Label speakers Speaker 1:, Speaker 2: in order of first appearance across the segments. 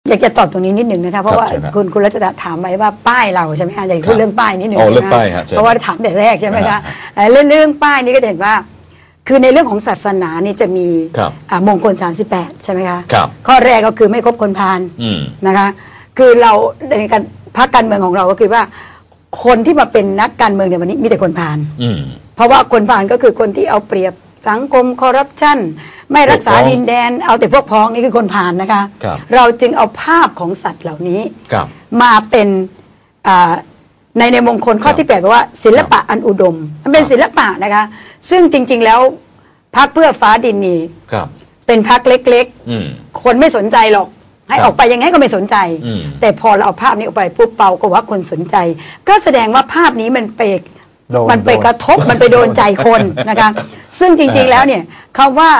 Speaker 1: อยากจะตอบตรงนี้นิดหนึ่งนะคะเพราะว่าคุณรัชดาถามไว้ว่าป้ายเราใช่ไหมคะอยากพูดเรื่องป้ายนิดหนึ่งนะเพราะว่าถามแต่แรกใช่ไหมคะเรื่องป้ายนี้ก็จะเห็นว่าคือในเรื่องของศาสนานี่จะมีมงคล38ใช่ไหมคะข้อแรกก็คือไม่คบคนพาลนะคะคือเราในการพรรคการเมืองของเราก็คือว่าคนที่มาเป็นนักการเมืองในวันนี้มีแต่คนพาลเพราะว่าคนพาลก็คือคนที่เอาเปรียบสังคมคอร์รัปชันไม่รักษาดินแดนเอาแต่พวกพ้องนี่คือคนพาลนะคะเราจึงเอาภาพของสัตว์เหล่านี้มาเป็นในมงคลข้อที่8บอกว่าศิลปะอันอุดมมันเป็นศิลปะนะคะซึ่งจริงๆแล้วพรรคเพื่อฟ้าดินนี่เป็นพรรคเล็กๆคนไม่สนใจหรอกให้ออกไปยังไงก็ไม่สนใจแต่พอเราเอาภาพนี้ออกไปปุ๊บเปาก็ว่าคนสนใจก็แสดงว่าภาพนี้มันไปกระทบมันไปโดนใจคนนะคะซึ่งจริงๆแล้วเนี่ยคำว่า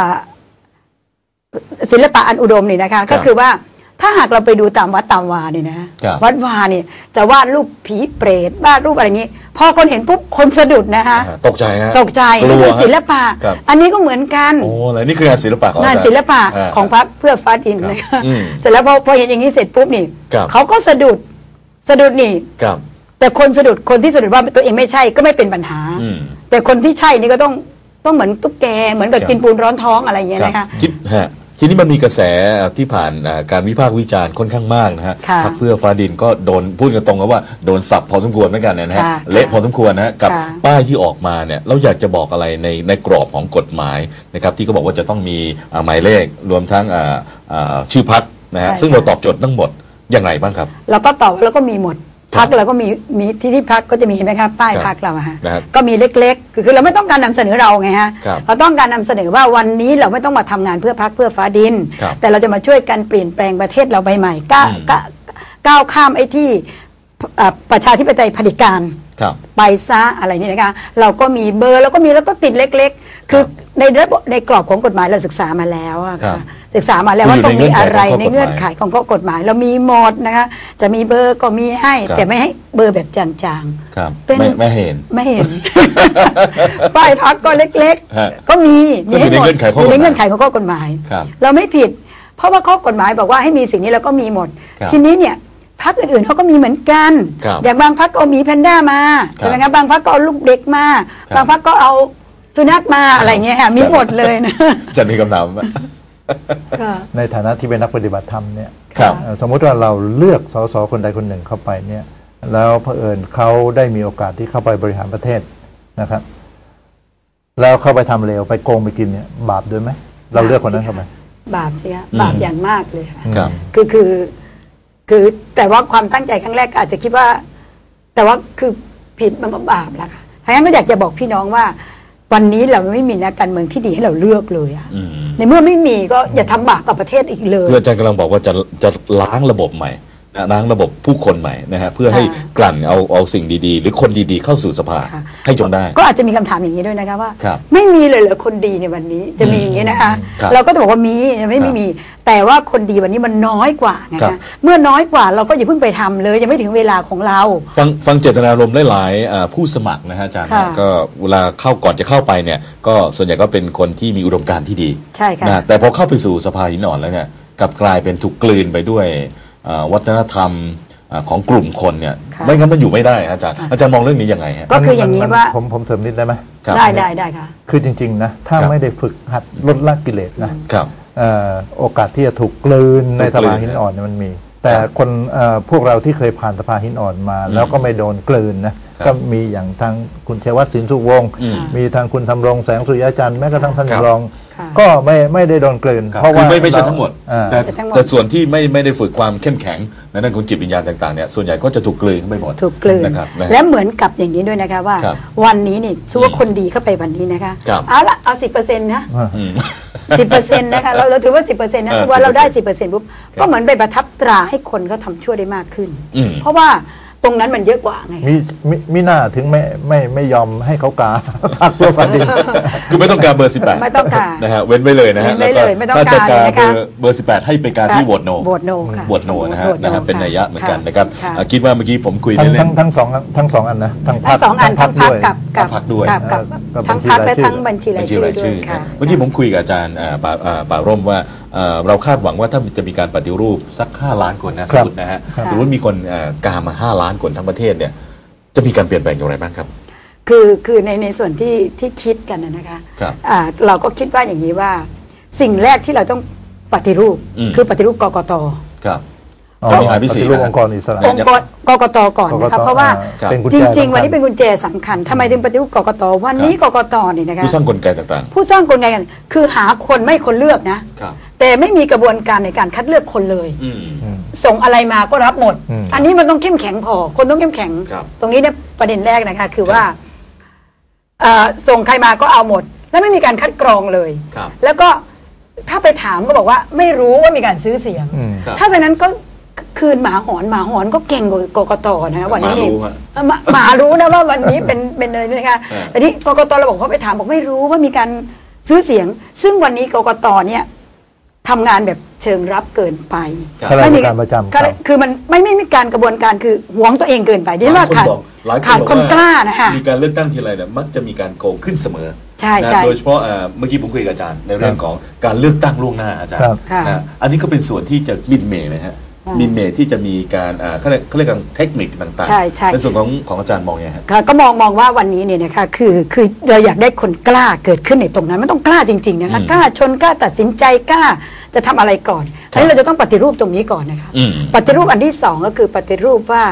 Speaker 1: ศิลปะอันอุดมนี่นะคะก็คือว่าถ้าหากเราไปดูตามวัดตามวาเนี่ยนะวัดวาเนี่ยจะวาดรูปผีเปรตวาดรูปอะไรนี้พอคนเห็นปุ๊บคนสะดุดนะคะ
Speaker 2: ตกใจฮะ
Speaker 1: ตกใจนี่คือศิลปะอันนี้ก็เหมือนกัน
Speaker 2: โอ้อะไรนี่คืองานศิลปะ
Speaker 1: งานศิลปะของพรรคเพื่อฟ้าดินนะคะเสร็จแล้วพอเห็นอย่างนี้เสร็จปุ๊บนี่เขาก็สะดุดนี่แต่คนสะดุดคนที่สะดุดว่าตัวเองไม่ใช่ก็ไม่เป็นปัญหาแต่คนที่ใช่นี่ก็ต้องเหมือนตุ๊กแกเหมือนกับกินปูนร้อนท้องอะไรอย่างเงี้ยนะคะ
Speaker 2: ทีนี้มันมีกระแสที่ผ่านการวิพากษ์วิจารณ์ค่อนข้างมากนะฮะพรรคเพื่อฟ้าดินก็โดนพูดกันตรงว่าโดนสับพอสมควรเหมือนกันนะฮะเละพอสมควรนะกับป้ายที่ออกมาเนี่ยเราอยากจะบอกอะไรในกรอบของกฎหมายนะครับที่เขาบอกว่าจะต้องมีหมายเลขรวมทั้งชื่อพรรคนะฮะซึ่งเราตอบโจทย์ทั้งหมดอย่างไรบ้างครับ
Speaker 1: เราก็ตอบแล้วก็มีหมดพรรคเราก็มีที่พรรคก็จะมีเห็นไหมครับป้ายพรรคเราฮะก็มีเล็กๆคือเราไม่ต้องการนำเสนอเราไงฮะเราต้องการนำเสนอว่าวันนี้เราไม่ต้องมาทำงานเพื่อพรรคเพื่อฟ้าดินแต่เราจะมาช่วยกันเปลี่ยนแปลงประเทศเราใบใหม่ก้าวข้ามไอ้ที่ประชาธิปไตยเผด็จการไปซะอะไรนี่นะคะเราก็มีเบอร์แล้วก็มีแล้วก็ติดเล็กๆคือในกรอบของกฎหมายเราศึกษามาแล้วค่ะศึกษามาแล้วว่าต้องมีอะไรในเงื่อนไขของข้อกฎหมายเรามีหมดนะคะจะมีเบอร์ก็มีให้แต่ไม่ให้เบอร์แบบจาง
Speaker 2: ๆเป็นไม่เห็น
Speaker 1: ป้ายพรรคก็เล็กๆก็มีให้หมดอยู่ในเงื่อนไขของข้อกฎหมายเราไม่ผิดเพราะว่าข้อกฎหมายบอกว่าให้มีสิ่งนี้แล้วก็มีหมดทีนี้เนี่ยพรรคอื่นๆเขาก็มีเหมือนกันอย่างบางพรรคก็เอาหมีแพนด้ามาใช่ไหมครับบางพรรคก็เอาลูกเด็กมาบางพรรคก็เอาสุนัขมาอะไรเงี้ยค่ะมีหมดเลยนะ
Speaker 2: จะมีคำถาม
Speaker 3: ในฐานะที่เป็นนักปฏิบัติธรรมเนี่ยสมมุติว่าเราเลือกสสคนใดคนหนึ่งเข้าไปเนี่ยแล้วเผอิญเขาได้มีโอกาสที่เข้าไปบริหารประเทศนะครับแล้วเข้าไปทำเลวไปโกงไปกินเนี่ยบาปด้วยไหมเราเลือกคนนั้นเข้าไป
Speaker 1: บาปสิคะบาปอย่างมากเลยค่ะคือแต่ว่าความตั้งใจครั้งแรกอาจจะคิดว่าแต่ว่าคือผิดมันก็บาปแล้วค่ะทั้งนั้นก็อยากจะบอกพี่น้องว่าวันนี้เราไม่มีนักการเมืองที่ดีให้เราเลือกเลยอะในเมื่อไม่มีก็อย่าทำบาปกับประเทศอีกเลย
Speaker 2: อาจารย์กำลังบอกว่าจะล้างระบบใหม่ล้างระบบผู้คนใหม่นะฮะเพื่อให้กลั่นเอาสิ่งดีๆหรือคนดีๆเข้าสู่สภาให้จงได้
Speaker 1: ก็อาจจะมีคำถามอย่างนี้ด้วยนะคะว่าไม่มีเลยเหรอคนดีในวันนี้จะมีอย่างนี้นะคะเราก็จะบอกว่ามีไม่มีแต่ว่าคนดีวันนี้มันน้อยกว่าไงคะเมื่อน้อยกว่าเราก็อย่าเพิ่งไปทำเลยยังไม่ถึงเวลาของเรา
Speaker 2: ฟังเจตนารมณ์หลายๆผู้สมัครนะฮะอาจารย์ก็เวลาก่อนจะเข้าไปเนี่ยก็ส่วนใหญ่ก็เป็นคนที่มีอุดมการณ์ที่ดี
Speaker 1: ใช่ค่ะ
Speaker 2: แต่พอเข้าไปสู่สภาหินอ่อนแล้วเนี่ยกลับกลายเป็นถูกกลืนไปด้วยวัฒนธรรมของกลุ่มคนเนี่ยไม่งั้นมันอยู่ไม่ได้อาจารย์มองเรื่องนี้ยังไงฮะ
Speaker 1: ก็คืออย่างนี้ว่า
Speaker 3: ผมเสริมนิดได้ไหม
Speaker 1: ได้ค่ะ
Speaker 3: คือจริงๆนะถ้าไม่ได้ฝึกหัดลดละกิเลสนะโอกาสที่จะถูกกลืนในสภาหินอ่อนมันมีแต่คนพวกเราที่เคยผ่านสภาหินอ่อนมาแล้วก็ไม่โดนกลืนนะก็มีอย่างทางคุณชัยวัฒน์สินสุวงศ์มีทางคุณธำรงแสงสุริยจันทร์แม้กระทั่งท่านรองก็ไม่ได้โดนกลืน
Speaker 2: เพราะว่าไม่ใช่ทั้งหมดแต่ส่วนที่ไม่ได้ฝึกความเข้มแข็งในด้านของจิตวิญญาณต่างๆเนี่ยส่วนใหญ่ก็จะถูกกลืนไปหมด
Speaker 1: ถูกกลืนและเหมือนกับอย่างนี้ด้วยนะคะว่าวันนี้นี่ชัวคนดีเข้าไปวันนี้นะคะเอา 10% นะ10%นะคะเราถือว่า 10% นะว่าเราได้ 10% ปุ๊บก็เหมือนไปประทับตราให้คนเขาทำชั่วได้มากขึ้นเพราะว่าตรงนั้นมันเยอะกว่าไง
Speaker 3: มีหน้าถึงไม่ยอมให้เขากาพรรคเพื่อฟ้าดิน
Speaker 2: คือไม่ต้องการเบอร์18
Speaker 1: ไม่ต้องการ
Speaker 2: นะฮะเว้นไว้เลยนะฮะ
Speaker 1: แล้วก็ถ้า
Speaker 2: จะการ
Speaker 1: นะคะ
Speaker 2: เบอร์18ให้ไปการที่โหวตโน
Speaker 1: ค่ะ
Speaker 2: โหวตโนนะฮะเป็นนัยยะเหมือนกันนะครับคิดว่าเมื่อกี้ผมคุยเล่น
Speaker 3: ทั้งสองอันนะ
Speaker 1: ทั้งพรรคทั้งพรรคกับ
Speaker 2: พรรคด้วย
Speaker 1: ทั้งพรรคและทั้งบัญชีรายชื่อด้วย
Speaker 2: เมื่อกี้ผมคุยกับอาจารย์ป่าร่มว่าเราคาดหวังว่าถ้าจะมีการปฏิรูปสัก5 ล้านคนนะสมมตินะฮะสมมติมีคนกามา5 ล้านคนทั้งประเทศเนี่ยจะมีการเปลี่ยนแปลงอย่างไรบ้างครับ
Speaker 1: คือในส่วนที่คิดกันนะคะเราก็คิดว่าอย่างนี้ว่าสิ่งแรกที่เราต้องปฏิรูปคือปฏิรูปกกต.
Speaker 2: ครับ
Speaker 3: มีปฏิรูปองค์กรอิสระ
Speaker 1: องค์กกต.ก่อนนะคะเพราะว่าจริงๆวันนี้เป็นกุญแจสำคัญทำไมถึงปฏิรูปกกต.วันนี้กกต.นี่นะคะ
Speaker 2: ผู้สร้างกลไกต่าง
Speaker 1: ๆผู้สร้างกลไกกันคือหาคนไม่คนเลือกนะแต่ไม่มีกระบวนการในการคัดเลือกคนเลยส่งอะไรมาก็รับหมดอันนี้มันต้องเข้มแข็งพอคนต้องเข้มแข็งตรงนี้เนี่ยประเด็นแรกนะคะคือว่าส่งใครมาก็เอาหมดแล้วไม่มีการคัดกรองเลยแล้วก็ถ้าไปถามก็บอกว่าไม่รู้ว่ามีการซื้อเสียงถ้าฉะนั้นก็คืนหมาหอนก็เก่งกว่ากกต.นะวันนี้นี่หมารู้นะว่าวันนี้เป็นอะไรนะคะแต่นี่กกต.เราบอกเขาไปถามบอกไม่รู้ว่ามีการซื้อเสียงซึ่งวันนี้กกต.เนี่ยทำงานแบบเชิงรับเกินไป
Speaker 3: ไม่มีการประจำ
Speaker 1: คือมันไม่มีการกระบวนการคือหวงตัวเองเกินไปที่ว่าขาดคนกล้านะคะ
Speaker 2: มีการเลือกตั้งทีไรเนี่ยมักจะมีการโกงขึ้นเสมอ
Speaker 1: ใช่
Speaker 2: โดยเฉพาะเมื่อกี้ผมคุยกับอาจารย์ในเรื่องของการเลือกตั้งล่วงหน้าอาจารย์อันนี้ก็เป็นส่วนที่จะมินเมย์นะฮะมินเมย์ที่จะมีการเขาเรียกกันเทคนิคต่างๆในส่วนของอาจารย์มองยังไง
Speaker 1: ก็มองว่าวันนี้เนี่ยนะคะคือเราอยากได้คนกล้าเกิดขึ้นในตรงนั้นมันต้องกล้าจริงๆนะคะกล้าชนกล้าตัดสินใจกล้าจะทำอะไรก่อนอันนี้เราจะต้องปฏิรูปตรงนี้ก่อนนะคะปฏิรูปอันที่2ก็คือปฏิรูปว่า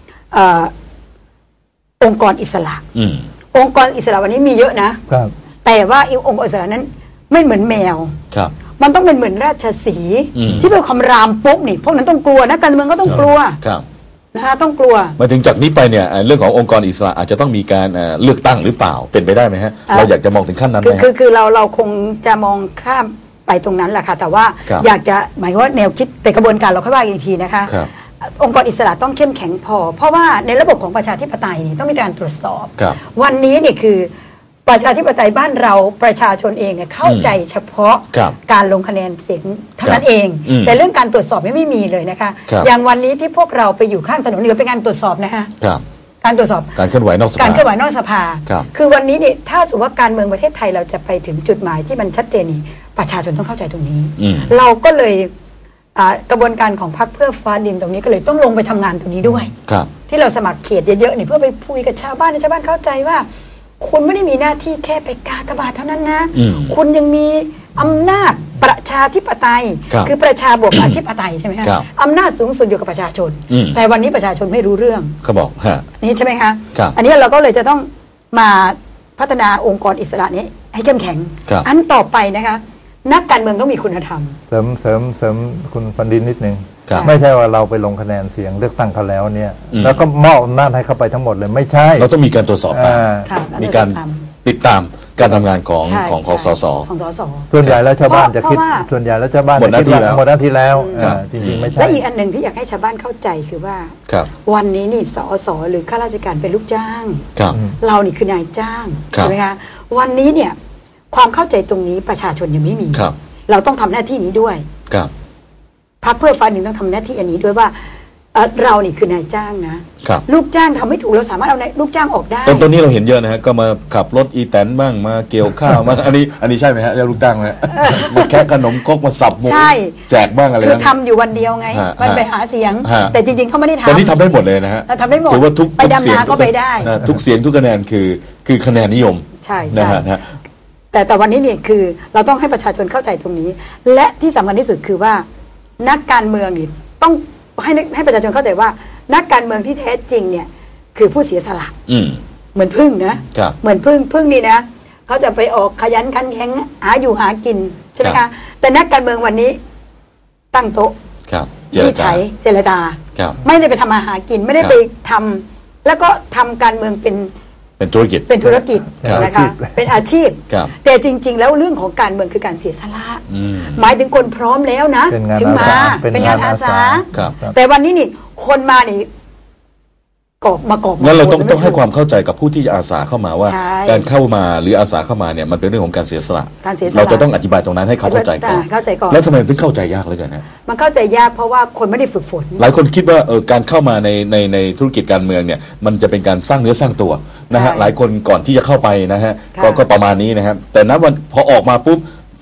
Speaker 1: องค์กรอิสระองค์กรอิสระวันนี้มีเยอะนะแต่ว่าองค์กรอิสระนั้นไม่เหมือนแมวมันต้องเป็นเหมือนราชสีห์ที่เป็นคำรามปุ๊บนี่พวกนั้นต้องกลัวนะการเมืองก็ต้องกลัวนะคะต้องกลัว
Speaker 2: มาถึงจากนี้ไปเนี่ยเรื่องขององค์กรอิสระอาจจะต้องมีการเลือกตั้งหรือเปล่าเป็นไปได้ไหมฮะเราอยากจะมองถึงขั้นนั้นไหม
Speaker 1: คือเราคงจะมองข้ามไปตรงนั้นแหละค่ะแต่ว่าอยากจะหมายว่าแนวคิดแต่กระบวนการเราค่อยว่าอีกทีนะคะองค์กรอิสระต้องเข้มแข็งพอเพราะว่าในระบบของประชาธิปไตยนี่ต้องมีการตรวจสอบวันนี้เนี่ยคือประชาธิปไตยบ้านเราประชาชนเองเนี่ยเข้าใจเฉพาะการลงคะแนนเสียงเท่านั้นเองแต่เรื่องการตรวจสอบไม่มีเลยนะคะอย่างวันนี้ที่พวกเราไปอยู่ข้างถนนนี่เป็นการตรวจสอบนะคะการตรวจสอบ
Speaker 2: การเคลื่อนไหวนอกสภา
Speaker 1: การเคลื่อนไหวนอกสภาคือวันนี้เนี่ยถ้าสมมติว่าการเมืองประเทศไทยเราจะไปถึงจุดหมายที่มันชัดเจนนี่ประชาชนต้องเข้าใจตรงนี้เราก็เลยกระบวนการของพรรคเพื่อฟ้าดินตรงนี้ก็เลยต้องลงไปทำงานตรงนี้ด้วยที่เราสมัครเขตเยอะๆนี่เพื่อไปคุยกับชาวบ้านให้ชาวบ้านเข้าใจว่าคุณไม่ได้มีหน้าที่แค่ไปกากบาทเท่านั้นนะคุณยังมีอำนาจประชาธิปไตยคือประชาบวกอธิปไตยใช่ไหมคะอำนาจสูงสุดอยู่กับประชาชนแต่วันนี้ประชาชนไม่รู้เรื่อง
Speaker 2: เขาบอก
Speaker 1: นี่ใช่ไหมคะอันนี้เราก็เลยจะต้องมาพัฒนาองค์กรอิสระนี้ให้เข้มแข็งอันต่อไปนะคะนักการเมืองต้องมีคุณธรรม
Speaker 3: เสริมคุณปันดินนิดนึงไม่ใช่ว่าเราไปลงคะแนนเสียงเลือกตั้งเขาแล้วเนี่ยแล้วก็มอบอำนาจให้เขาไปทั้งหมดเลยไม่ใช่
Speaker 2: เราต้องมีการตรวจสอบมีการติดตามการทำงานของสส
Speaker 3: ส่วนใหญ่แล้วชาวบ้านจะคิดส่วนใหญ่แล้วชาวบ้าน
Speaker 2: หมดหน้าที่แล้ว
Speaker 3: จริงๆไม่ใช่
Speaker 1: และอีกอันหนึ่งที่อยากให้ชาวบ้านเข้าใจคือว่าวันนี้นี่สสหรือข้าราชการเป็นลูกจ้างเรานี่คือนายจ้างใช่ไหมคะวันนี้เนี่ยความเข้าใจตรงนี้ประชาชนยังไม่มีเราต้องทำหน้าที่นี้ด้วยพรรคเพื่อฟ้าดินต้องทำหน้าที่อันนี้ด้วยว่าเรานี่คือนายจ้างนะลูกจ้างทำไม่ถูกเราสามารถเอาลูกจ้างออกได้
Speaker 2: ตอนนี้เราเห็นเยอะนะฮะก็มาขับรถอีแตนบ้างมาเกี่ยวข้าวมาอันนี้ใช่ไหมฮะลูกจ้างไหมมาแค่ขนมก๊กมาสับหมูแจกบ้างอะไร
Speaker 1: คือทำอยู่วันเดียวไงมันไปหาเสียงแต่จริงๆเขาไม่ได้ทำ
Speaker 2: ตอนนี้ทำได้หมดเลยนะฮะ
Speaker 1: ทำได้หมด
Speaker 2: ถือว่าทุก
Speaker 1: ไปดำนาก็ไปได้
Speaker 2: ทุกเสียงทุกคะแนนคือคะแนนนิยม
Speaker 1: ใช่แต่วันนี้เนี่ยคือเราต้องให้ประชาชนเข้าใจตรงนี้และที่สำคัญที่สุดคือว่านักการเมืองนี่ต้องให้ประชาชนเข้าใจว่านักการเมืองที่แท้จริงเนี่ยคือผู้เสียสละเหมือนพึ่งนะเหมือนพึ่งนี่นะเขาจะไปออกขยันขันแข็งหาอยู่หากินใช่ไหมคะแต่นักการเมืองวันนี้ตั้งโต๊ะที่ใช้เจรจาไม่ได้ไปทำมาหากินไม่ได้ไปทำแล้วก็ทำการเมืองเป็นธุรกิจนะคะเป็นอาชีพแต่จริงๆแล้วเรื่องของการเมืองคือการเสียสละหมายถึงคนพร้อมแล้วนะถึงมาเป็นงานอาสาแต่วันนี้นี่คนมานี่มากอบ
Speaker 2: งั้นเราต้องให้ความเข้าใจกับผู้ที่อาสาเข้ามาว่าการเข้ามาหรืออาสาเข้ามาเนี่ยมันเป็นเรื่องของการเสียสละเราจะต้องอธิบายตรงนั้นให้เขาเข้าใจก่อนแล้วทำไมถึงเข้าใจยากเลยกันนะ
Speaker 1: มันเข้าใจยากเพราะว่าคนไม่ได้ฝึกฝน
Speaker 2: หลายคนคิดว่าการเข้ามาในธุรกิจการเมืองเนี่ยมันจะเป็นการสร้างเนื้อสร้างตัวนะฮะหลายคนก่อนที่จะเข้าไปนะฮะก็ประมาณนี้นะครับแต่ณวันพอออกมาปุ๊บ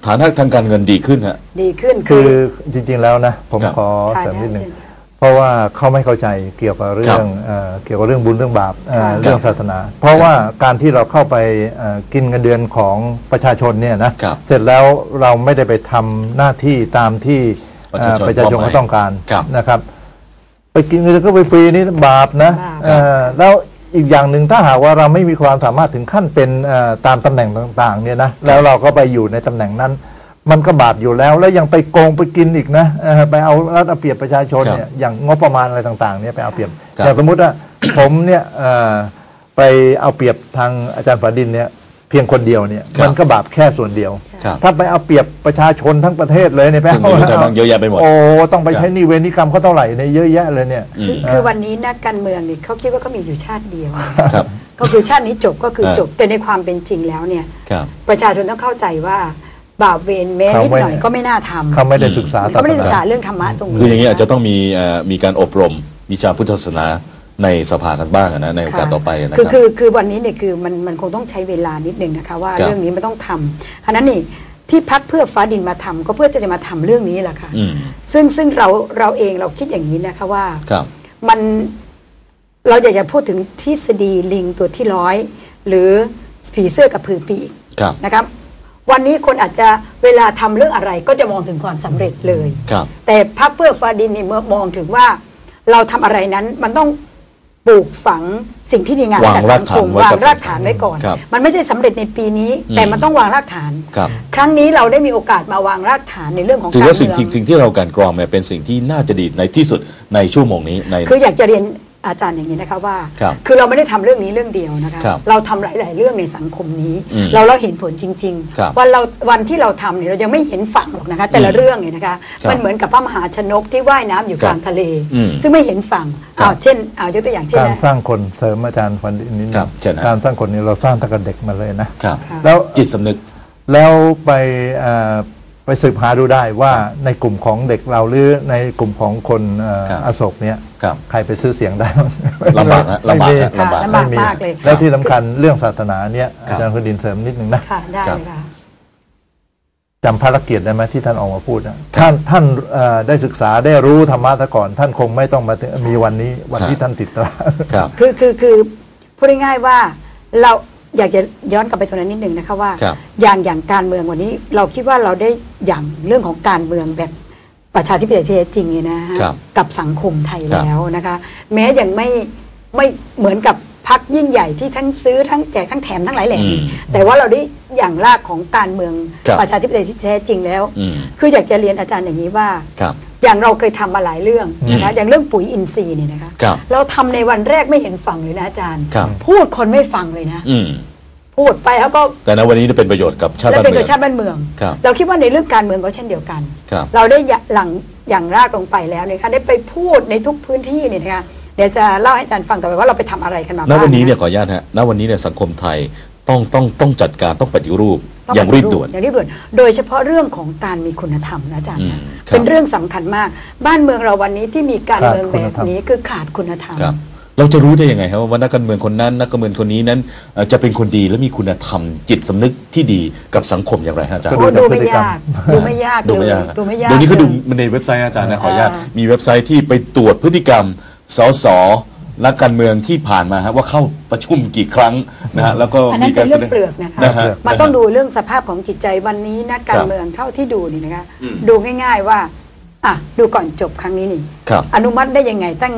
Speaker 2: ฐานะทางการเงินดีขึ้นฮะ
Speaker 1: ดีขึ้น
Speaker 3: คือจริงๆแล้วนะผมขอเสริมนิดนึงเพราะว่าเขาไม่เข้าใจเกี่ยวกับเรื่องบุญเรื่องบาปเรื่องศาสนาเพราะว่าการที่เราเข้าไปกินเงินเดือนของประชาชนเนี่ยนะเสร็จแล้วเราไม่ได้ไปทำหน้าที่ตามที่ประชาชนเขาต้องการนะครับไปกินเงินก็ไปฟรีนี่บาปนะแล้วอีกอย่างหนึ่งถ้าหากว่าเราไม่มีความสามารถถึงขั้นเป็นตามตำแหน่งต่างๆเนี่ยนะแล้วเราก็ไปอยู่ในตำแหน่งนั้นมันก็บาปอยู่แล้วแล้วยังไปโกงไปกินอีกนะไปเอารัดเอาเปรียบประชาชนเนี่ยอย่างงบประมาณอะไรต่างๆเนี่ยไปเอาเปรียบอย่างสมมติว่าผมเนี่ยไปเอาเปรียบทางอาจารย์ฝาดินเนี่ยเพียงคนเดียวเนี่ยมันก็บาปแค่ส่วนเดียวถ้าไปเอาเปรียบประชาชนทั้งประเทศเลยเนี่ยแปล
Speaker 2: ว่าเยอะแยะไปหมด
Speaker 3: โอ้ต้องไปใช้นิเวรนิกรรมเขาเท่าไหร่เนี่ยเยอะแยะเลยเนี่ย
Speaker 1: คือวันนี้นักการเมืองนี่เขาคิดว่าเขามีอยู่ชาติเดียวก็คือชาตินี้จบก็คือจบแต่ในความเป็นจริงแล้วเนี่ยประชาชนต้องเข้าใจว่าบาปเวรแม้นิดหน่อยก็ไม่น่าทำ
Speaker 3: เขาไม่ได้ศึกษา
Speaker 1: เรื่องธรรมะตรงนี้
Speaker 2: คืออย่างนี้อาจจะต้องมีการอบรมวิชาพุทธศาสนาในสภากันบ้างนะในโอกาสต่อไปนะครับ
Speaker 1: คือวันนี้เนี่ยคือมันคงต้องใช้เวลานิดนึงนะคะว่าเรื่องนี้มันต้องทำฉะนั้นนี่ที่พรรคเพื่อฟ้าดินมาทำก็เพื่อจะมาทำเรื่องนี้แหละค่ะซึ่งเราเองเราคิดอย่างนี้นะคะว่ามันเราอยากจะพูดถึงทฤษฎีลิงตัวที่100หรือผีเสื้อกับผือปีกนะครับวันนี้คนอาจจะเวลาทำเรื่องอะไรก็จะมองถึงความสำเร็จเลยแต่พรรคเพื่อฟ้าดินนี่มองถึงว่าเราทำอะไรนั้นมันต้องปลูกฝังสิ่งที่ดีงามกับสังคมวางรากฐานไว้ก่อนมันไม่ใช่สำเร็จในปีนี้แต่มันต้องวางรากฐานครั้งนี้เราได้มีโอกาสมาวางรากฐานในเรื่องของการเมือง
Speaker 2: ถือว่าสิ่งที่เราการกรองเนี่ยเป็นสิ่งที่น่าจะดีในที่สุดในชั่วโมงนี้
Speaker 1: คืออยากจะเรียนอาจารย์อย่างนี้นะคะว่าคือเราไม่ได้ทำเรื่องนี้เรื่องเดียวนะคะเราทำหลายๆเรื่องในสังคมนี้เราเห็นผลจริงๆวันที่เราทำเนี่ยเรายังไม่เห็นฝั่งหรอกนะคะแต่ละเรื่องเนี่ยนะคะมันเหมือนกับพระมหาชนกที่ว่ายน้ำอยู่กลางทะเลซึ่งไม่เห็นฝั่งเช่นยกตัวอย่างเช่น
Speaker 3: การสร้างคนเสริมอาจารย์ฟันนิดการสร้างคนนี้เราสร้างตั้งแต่เด็กมาเลยนะ
Speaker 2: แล้วจิตสำนึก
Speaker 3: แล้วไปสืบหาดูได้ว่าในกลุ่มของเด็กเราหรือในกลุ่มของคนอโศกเนี้ยใครไปซื้อเสียงได้
Speaker 2: ลำบากนะลำบาก
Speaker 1: มากเลย
Speaker 3: แล้วที่สำคัญเรื่องศาสนาเนี้ยอาจารย์คนดินเสริมนิดนึงนะ
Speaker 1: ได้ค่ะ
Speaker 3: จำภารกิจได้ไหมที่ท่านออกมาพูดนะท่านได้ศึกษาได้รู้ธรรมะซะก่อนท่านคงไม่ต้องมามีวันนี้วันที่ท่านติดตรา
Speaker 1: คือพูดง่ายๆว่าเราอยากจะย้อนกลับไปตรงนั้นนิดนึงนะคะว่าอย่างการเมืองวันนี้เราคิดว่าเราได้อย่างเรื่องของการเมืองแบบประชาธิปไตยแท้จริงเนี่ยนะฮะกับสังคมไทยแล้วนะคะแม้ยังไม่เหมือนกับพรรคยิ่งใหญ่ที่ทั้งซื้อทั้งแจกทั้งแถมทั้งหลายแหล่แต่ว่าเราได้อย่างรากของการเมืองประชาธิปไตยที่แท้จริงแล้วคืออยากจะเรียนอาจารย์อย่างนี้ว่าอย่างเราเคยทำมาหลายเรื่องนะคะอย่างเรื่องปุ๋ยอินทรีย์เนี่ยนะคะเราทำในวันแรกไม่เห็นฟังเลยนะอาจารย์พูดคนไม่ฟังเลยนะพูดไปแล้วก็
Speaker 2: แต่ในวันนี้จะเป็นประโยชน์กับชาติบ้านเมือง
Speaker 1: เป็นชาติบ้านเมืองเราคิดว่าในเรื่องการเมืองก็เช่นเดียวกันเราได้อย่างรากลงไปแล้วเนี่ยค่ะได้ไปพูดในทุกพื้นที่เนี่ยนะคะเดี๋ยวจะเล่าให้อาจารย์ฟังต่อไปว่าเราไปทำอะไรกันมาบ้าง
Speaker 2: ณวันนี้เนี่ยขออนุญาตฮะณวันนี้เนี่ยสังคมไทยต้องจัดการต้องปฏิรูปอย่างรีบด่วน
Speaker 1: โดยเฉพาะเรื่องของการมีคุณธรรมนะอาจารย์เป็นเรื่องสำคัญมากบ้านเมืองเราวันนี้ที่มีการเมืองแบบนี้คือขาดคุณธรรม
Speaker 2: เราจะรู้ได้ยังไงครับว่านักการเมืองคนนั้นนักการเมืองคนนี้นั้นจะเป็นคนดีและมีคุณธรรมจิตสำนึกที่ดีกับสังคมอย่างไรฮะอาจารย์
Speaker 1: ดูไม่ยากดูไม่ยากเ
Speaker 2: ดี๋ยวนี้เขาดูในเว็บไซต์อาจารย์นะขออนุญาตมีเว็บไซต์ที่ไปตรวจพฤติกรรมสสนักการเมืองที่ผ่านมาว่าเข้าประชุมกี่ครั้งนะฮะแล้วก็
Speaker 1: มีการเรื่องเปลือกนะคะมันต้องดูเรื่องสภาพของจิตใจวันนี้นักการเมืองเท่าที่ดูนี่นะคะดูง่ายๆว่าดูก่อนจบครั้งนี้นี่อนุมัติได้ยังไงตั้ง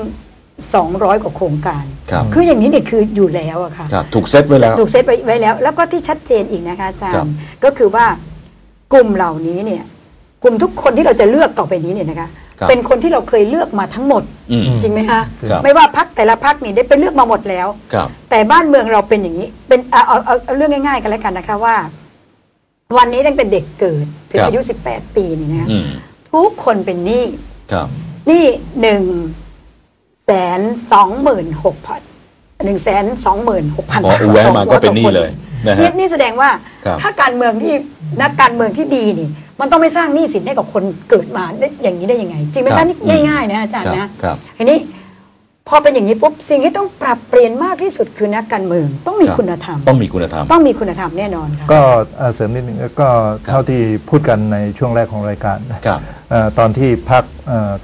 Speaker 1: 200 กว่าโครงการคืออย่างนี้เนี่ยคืออยู่แล้วอะค่ะ
Speaker 2: ถูกเซตไว้แล้ว
Speaker 1: แล้วก็ที่ชัดเจนอีกนะคะอาจารย์ก็คือว่ากลุ่มเหล่านี้เนี่ยกลุ่มทุกคนที่เราจะเลือกต่อไปนี้เนี่ยนะคะเป็นคนที่เราเคยเลือกมาทั้งหมดจริงไหมคะไม่ว่าพรรคแต่ละพรรคนี่ได้ไปเลือกมาหมดแล้วแต่บ้านเมืองเราเป็นอย่างนี้เป็นเอาเรื่องง่ายๆกันแล้วกันนะคะว่าวันนี้ตั้งแต่เด็กเกิดถึงอายุ18 ปีนี่นะทุกคนเป็นหนี้นี่126,000
Speaker 2: บาทแวะมาก็เป็นหนี้เลย
Speaker 1: นี่แสดงว่าถ้าการเมืองที่นักการเมืองที่ดีนี่มันต้องไม่สร้างหนี้สินให้กับคนเกิดมาได้อย่างนี้ได้ยังไงจริงไหมคะนี่ง่ายๆนะอาจารย์นะทีนี้พอเป็นอย่างนี้ปุ๊บสิ่งที่ต้องปรับเปลี่ยนมากที่สุดคือนักการเมืองต้องมีคุณธรรม
Speaker 2: ต้องมีคุณธรรม
Speaker 1: แน่นอนค่ะ
Speaker 3: ก็เสริมนิดนึงก็เท่าที่พูดกันในช่วงแรกของรายการตอนที่พรรค